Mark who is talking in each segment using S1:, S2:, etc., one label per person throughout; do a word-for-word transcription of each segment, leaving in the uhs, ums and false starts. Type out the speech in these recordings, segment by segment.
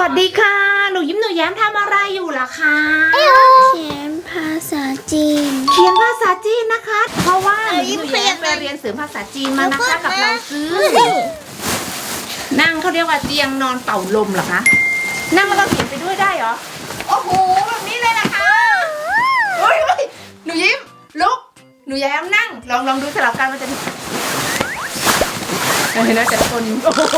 S1: วัสดีค่ะหนูยิ้มหนูแย้มทำอะไรอยู่ล่ะคะ
S2: เขียนภาษาจีน
S1: เขียนภาษาจีนนะคะ เพราะว่าหนูยิ้มหนูแย้มไปเรียนเสริมภาษาจีนมานะคะกับเราซื้อนั่งเขาเรียกว่าเตียงนอนเป่าลมเหรอคะนั่งแล้วก็เขียนไปด้วยได้เหรอโอ้โหแบบนี้เลยนะคะโอ้ยหนูยิ้มลุกหนูแย้มนั่งลองลองดูสลับกันมันจะเห็นไหมแต่คน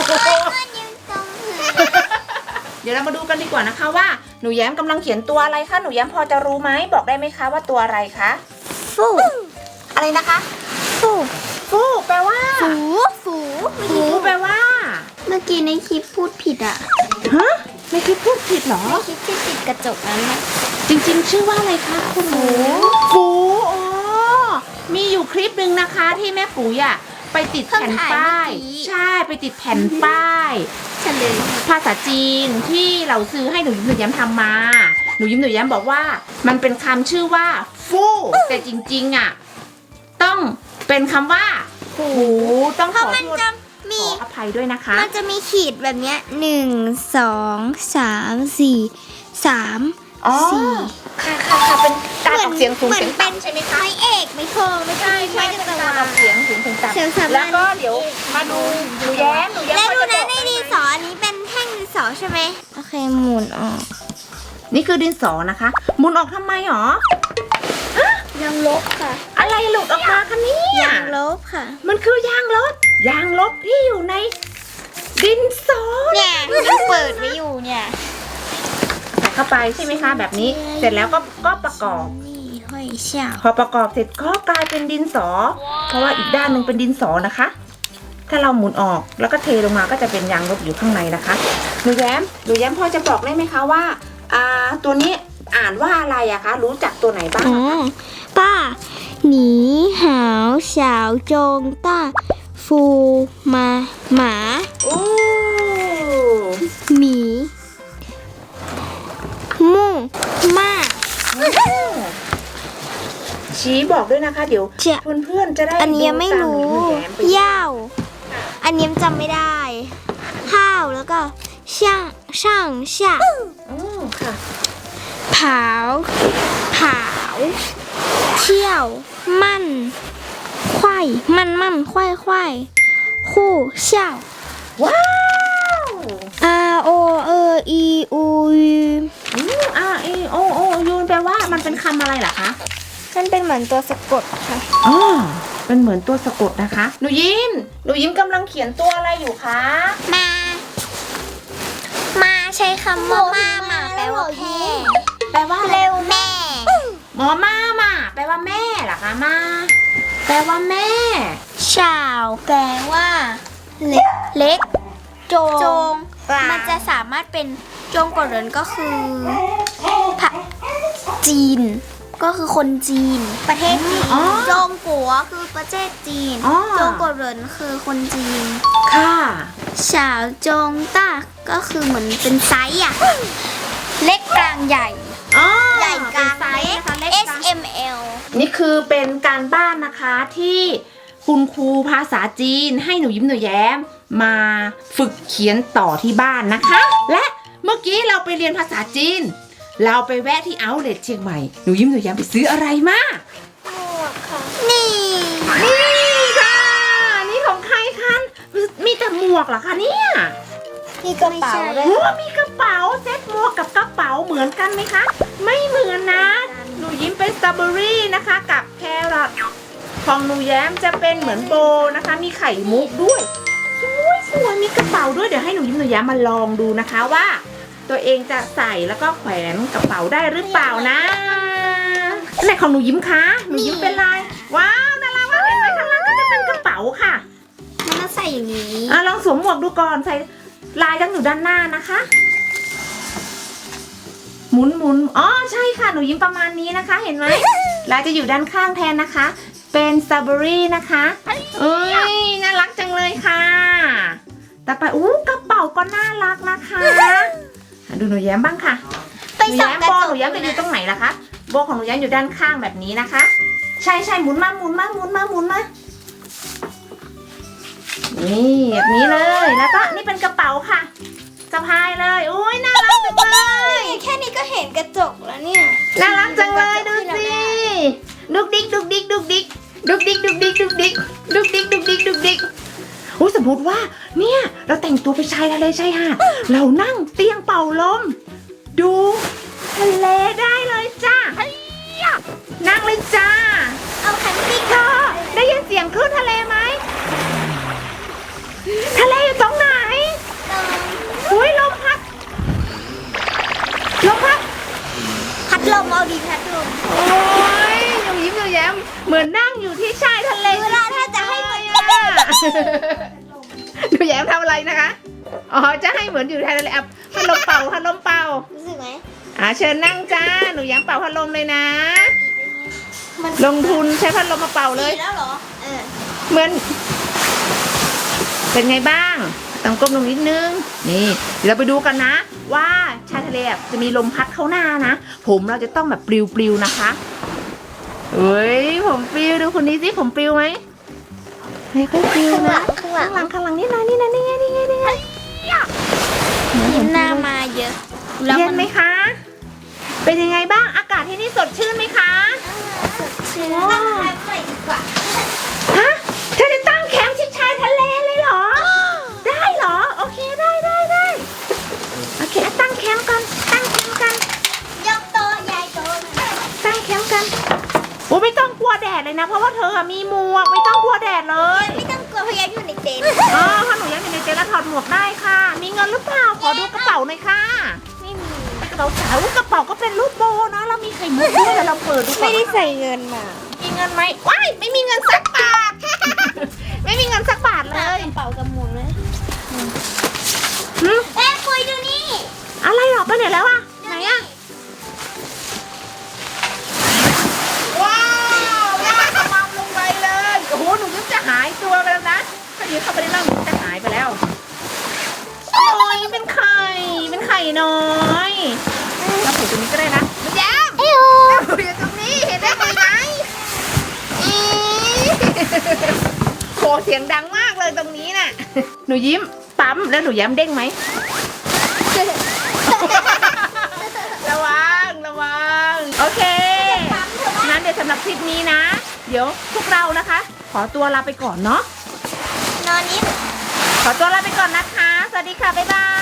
S1: เดี๋ยวเรามาดูกันดีกว่านะคะว่าหนูแย้มกำลังเขียนตัวอะไรคะหนูแย้มพอจะรู้ไหมบอกได้ไหมคะว่าตัวอะไรคะ
S2: ฟู
S1: อะไรนะคะ
S2: ฟู
S1: ฟูแปลว่า
S2: ฟูฟู
S1: ฟูแปลว่า
S2: เมื่อกี้ในคลิปพูดผิดอ่ะ
S1: ฮะในคลิปพูดผิดเหรอ
S2: ในคลิปที่ติดกระจกนั้นนะ
S1: จริงๆชื่อว่าอะไรคะคุณหนูฟูอ๋อมีอยู่คลิปหนึ่งนะคะที่แม่ปุ๋ยอ่ะไปติดแผ่นป้ายใช่ไปติดแผ่นป้าย
S2: เฉลย
S1: ภาษาจีนที่เราซื้อให้หนูยิ้มหนูแย้มทำมาหนูยิ้มหนูแย้มบอกว่ามันเป็นคำชื่อว่าฟู่แต่จริงๆอ่ะต้องเป็นคำว่าหูต้องขอโทษขออภัยด้วยนะคะ
S2: มันจะมีขีดแบบเนี้ยหนึ่งสองสามสี่สามสี่
S1: ค่ะค่ะค่ะเป็นการออกเสียงสูงเสียงต่ำใช่ไหมคะ
S2: ไม่เอกไม่โทไม่ใช่
S1: ใช่เป็นการออกเสียงสูงเสียงต่ำแล้วก็เดี๋ยวมาดูหนูแย้มหนูแย้ม
S2: แล้วดูนะในดินสออันนี้เป็นแท่งดินสอใช่ไหมโอเคหมุนออก
S1: นี่คือดินสอนะคะหมุนออกทำไมหร
S2: อยางลบค่ะ
S1: อะไรหลุดออกมาคะเนี่ย
S2: ยางลบค่ะ
S1: มันคือยางลบยางลบที่อยู่ในดินสอ
S2: เนี่ยยังเปิดไว้อยู่เนี่ย
S1: ใส่เข้าไปใช่ไหมคะแบบนี้เสร็จแล้วก็ก็ประกอบ
S2: นี่ห้อยเชี่ยว
S1: พอประกอบเสร็จก็กลายเป็นดินสอเพราะว่าอีกด้านหนึ่งเป็นดินสอนะคะถ้าเราหมุนออกแล้วก็เทลงมาก็จะเป็นยางลบอยู่ข้างในนะคะหนูแย้มหนูแย้มพอจะบอกได้ไหมคะว่าอ่าตัวนี้อ่านว่าอะไรอะคะรู้จักตัวไหนบ้าง
S2: ป้าหนีหาวสาวโจงต้าฟูมาหมา
S1: อู้
S2: หมีมู่มา
S1: ชี้บอกด้วยนะคะเดี๋ยวเพื่อนเพื่อนจะได้
S2: อันนี้ยังไม่รู้ย่าวอันนี้จำไม่ได้ข้าวแล้วก็ช่างช่างช่าง
S1: อ๋อค่ะ
S2: เผาเผาเที่ยวมั่นควายมั่นมั่นควายควายคู่เชี่ยว
S1: ว้าว
S2: R O E E U
S1: R E O O U แปลว่ามันเป็นคำอะไรเหรอคะ
S2: มันเป็นเหมือนตัวสะกดค่ะ
S1: อ๋อเป็นเหมือนตัวสะกดนะคะหนูยิ้มหนูยิ้มกำลังเขียนตัวอะไรอยู่คะ
S2: มามาใช้คำว่ามามาแปลว่าแพ้
S1: แปลว่า
S2: เร็วแม่
S1: หมอมามาแปลว่าแม่เหรอคะมาแปลว่าแม่
S2: ชาวแปลว่าเล็กเล็กโจงจงมันจะสามารถเป็นจงกดเหรินก็คือพระจีนก็คือคนจีนประเทศจีนจงกัวคือประเทศจีนจงกดเหรินคือคนจีน
S1: ค่ะ
S2: ชาวจงต้าก็คือเหมือนเป็นไซส์อะเล็กกลางใหญ่ใหญ่กลางเล็ก S M L
S1: นี่คือเป็นการบ้านนะคะที่คุณครูภาษาจีนให้หนูยิ้มหนูแย้มมาฝึกเขียนต่อที่บ้านนะคะและเมื่อกี้เราไปเรียนภาษาจีนเราไปแวะที่เอาท์เลทเชียงใหม่หนูยิ้มหนูแย้มไปซื้ออะไรมา
S2: หมวกค่ะนี่
S1: นี่ค่ะนี่ของใครคะมีแต่หมวกเหรอคะเนี่ย
S2: มีกระเป๋าด้วย
S1: โอ้มีกระเป๋าเซ็ตหมวกกับกระเป๋าเหมือนกันไหมคะไม่เหมือนนะหนูยิ้มเป็นสตรอเบอรี่นะคะกับแครอทของหนูแย้มจะเป็นเหมือนโบนะคะมีไข่มุกด้วยสวยสวยมีกระเป๋าด้วยเดี๋ยวให้หนูยิ้มหนูแย้มมาลองดูนะคะว่าตัวเองจะใส่แล้วก็แขวนกระเป๋าได้หรือเปล่านะไหนของหนูยิ้มคะหนูยิ้มเป็นลายว้าวน่ารักมากเห็นไหมข้างล่างก็จะเป็นกระเป๋าค่ะ
S2: มันมาใส่อย่างนี้
S1: อ่ะลองสวมหมวกดูก่อนใส่ลายตั้งอยู่ด้านหน้านะคะหมุนหมุนอ๋อใช่ค่ะหนูยิ้มประมาณนี้นะคะเห็นไหมลายจะอยู่ด้านข้างแทนนะคะเป็นสตรอเบอรี่นะคะเอ้ยน่ารักจังเลยค่ะต่อไปอู้กระเป๋าก็น่ารักนะคะดูหนูแย้มบ้างค่ะหนูแย้มโบหนูแย้มจะอยู่ตรงไหนล่ะคะโบของหนูแย้มอยู่ด้านข้างแบบนี้นะคะใช่ใช่หมุนมาหมุนมาหมุนมาหมุนมานี่แบบนี้เลยแล้วก็นี่เป็นกระเป๋าค่ะสะพายเลยอุ้ยน่ารักจังเลย
S2: แค่นี้ก็เห็นกระจกแล้วเนี่ย
S1: น่ารักจังเลยดูสิดุกดิกดุกดิกดุกดิกดุกดิกดุกดิกดุกดิกดุกดิกดุกดิกดุกดิกโอ้สมมติว่าเนี่ยเราแต่งตัวไปชายทะเลชายหาดเรานั่งเตียงเป่าลมดูทะเลได้เลยจ้านั่งเลยจ้า
S2: เอาคันตี้
S1: เธอได้ยินเสียงคลื่นทะเลไหมทะเลอยู่ตรงไหนอุ้ยลมพัดลมพัด
S2: พัดลมเอาดีพัดลม
S1: โอ้ยหนูยิ้มหนูแย้มเหมือนนั่งอยู่ที่ชายทะเล
S2: เวลาถ้าจะให้มัน
S1: หนูแย้มทำอะไรนะคะ อ๋อ จะให้เหมือนอยู่ชายทะเลอ่ะพัดลมเป่าพัดลมเป่า
S2: รู้สึกไหม
S1: อ่าเชิญนั่งจ้า หนูแย้มเป่าพัดลมเลยนะ
S2: มัน
S1: ลงทุนใช้พัดลมมาเป่าเลย
S2: ดีแล้วเหรอเออ
S1: เหมือน เป็นไงบ้างต้องก้มลงนิดนึง นี่เดี๋ยวเราไปดูกันนะ ว่าชายทะเลจะมีลมพัดเข้าหน้านะ ผมเราจะต้องแบบปลิวๆนะคะเฮ้ยผมปลิวดูคนนี้สิผมปลิวไหมไม่ค่อยปลิว
S2: ข้างห
S1: นะ
S2: ลังข้างหลั
S1: ข้าง งหลังข้างหลังนี่นะนี่นะนี่ไงนี่ไงนี่ไง
S2: ยิ้มหน้ามาเยอะแล้ว
S1: เย็
S2: มัน น
S1: ไหมคะ เป็นยังไงบ้างอากาศที่นี่สดชื่นไหมคะ
S2: สดชื่นนั่งทานไปดีกว่า
S1: ฮะเธอจะตั้งแคมป์ชิดชายทะเลเลยเหรอ ได้เหรอ โอเคได้ได้ได้โอเคอ่ะตั้งแคมป์กันตั้งแคมป์กัน
S2: ยกโต๊ะยายโต๊ะ
S1: ตั้งแคมป์กันโอ้ไม่ต้องกลัวแดดเลยนะ เพราะว่าเธออะมีหมวกไม่ต้องกลัวแดดเลย
S2: ไม่ต้องกลัวพยายามอยู่ในเต็นท์
S1: อ๋อถ้าหนูยังอยู่ในเจลาถอดหมวกได้ค่ะ มีเงินหรือเปล่า ขอดูกระเป๋าหน่อยค่ะ
S2: ไม่มี
S1: กระเป๋าสาวกระเป๋าก็เป็นรูปโบนะแล้วมีไข่มุกด้วยเดี๋ยวเราเปิดดูก่อน
S2: ไม่ได้ใส่เงินมา
S1: มีเงินไหมว้ายไม่มีเงินสักบาท ไม่มีเงินสักบาทเล
S2: ตาม
S1: ย
S2: กระเป๋ากับหมวกเลย
S1: หึ
S2: แม่คุยดูนี่
S1: อะไรหรอไปไหนแล้วอะไหนอะว้าวลากกระมังลงไปเลยโอ้โหหนูยิ้มจะหายตัวไปแล้วนะถ้ายิ้มเข้าไปในร่างหนูจะหายไปแล้วโอ้ยเป็นไข่เป็นไข่น้อยเราผูกตรงนี้ก็ได้นะมันแย้ม
S2: เอ้ยโอ
S1: เราผูกอยู่ตรงนี้เห็นได้ไหมอีโหเสียงดังมากเลยตรงนี้น่ะหนูยิ้มปั๊มแล้วหนูแย้มเด้งไหม ระวังระวังโอเคงั้นเดี๋ยวสำหรับคลิปนี้นะ เดี๋ยวพวกเรานะคะ ขอตัวลาไปก่อนเนาะ
S2: นอนนิด
S1: ขอตัวลาไปก่อนนะคะ สวัสดีค่ะ บ๊ายบาย